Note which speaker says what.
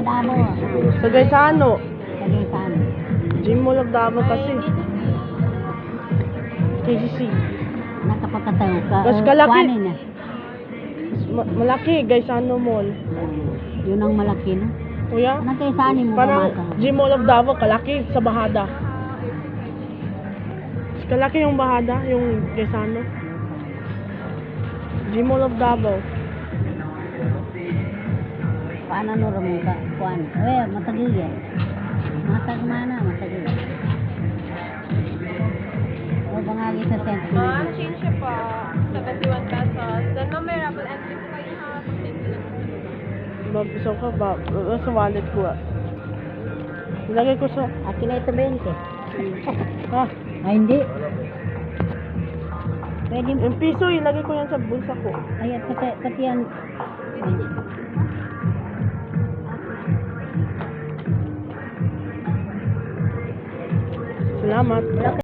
Speaker 1: Davao.
Speaker 2: Sa Gaisano.
Speaker 1: Sa Gaisano.
Speaker 2: Gym Mall of Davao kasi. KCC.
Speaker 1: Nakapagkatayo ka.
Speaker 2: Mas kalaki.
Speaker 1: Kuhanin na.
Speaker 2: Malaki, Gaisano Mall.
Speaker 1: Yun ang malaki, no?
Speaker 2: Kuya?
Speaker 1: Anong Gaisano mo
Speaker 2: Parang
Speaker 1: pamasa?
Speaker 2: Gym Mall of Davao, kalaki sa Bahada. Mas kalaki yung Bahada, yung Gaisano. Gym Mall of Davao.
Speaker 1: Paano no ramon ka? Kuhan. Matagil yan. Matag mana, matagil. O bangagi sa center.
Speaker 3: Change siya po. 71 pesos. Then may raffle entry po kayo ha.
Speaker 2: Gusto ko ba? Sa wallet ko ah. Ilagay ko sa...
Speaker 1: Akin na ito 20.
Speaker 2: Ha?
Speaker 1: Ay, hindi. Pwede mo.
Speaker 2: Yung piso, ilagay ko yan sa bulsa ko.
Speaker 1: Ay, pati yan. Ay.
Speaker 2: Salamat.